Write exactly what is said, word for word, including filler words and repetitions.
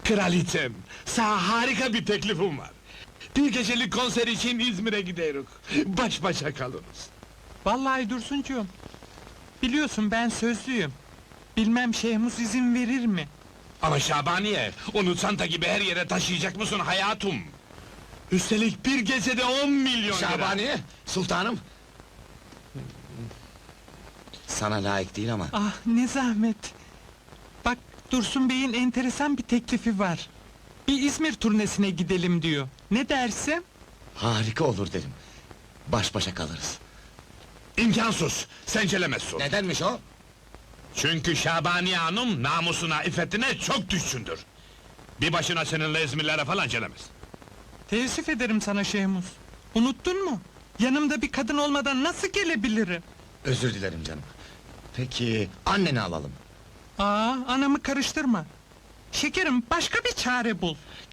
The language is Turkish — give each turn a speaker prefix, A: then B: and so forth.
A: Kraliçem, sana harika bir teklifim var. Bir gecelik konser için İzmir'e gidiyoruz. Baş başa kalırız.
B: Vallahi Dursuncuğum, biliyorsun ben sözlüyüm. Bilmem Şehmuz izin verir mi?
A: Ama Şabaniye, onu çanta gibi her yere taşıyacak mısın hayatım? Üstelik bir gecede on milyon lira!
C: Şabaniye, sultanım! Sana layık değil ama...
B: Ah ne zahmet! Bak, Dursun Bey'in enteresan bir teklifi var. Bir İzmir turnesine gidelim diyor. Ne dersin?
C: Harika olur derim. Baş başa kalırız.
A: İmkansız, sencelemezsin.
C: Nedenmiş o?
A: Çünkü Şabaniye Hanım namusuna, iffetine çok düşkündür. Bir başına seninle İzmirlere falan gelemez.
B: Teessüf ederim sana Şehmuz. Unuttun mu? Yanımda bir kadın olmadan nasıl gelebilirim?
C: Özür dilerim canım. Peki, anneni alalım.
B: Aa, anamı karıştırma. Şekerim, başka bir çare bul.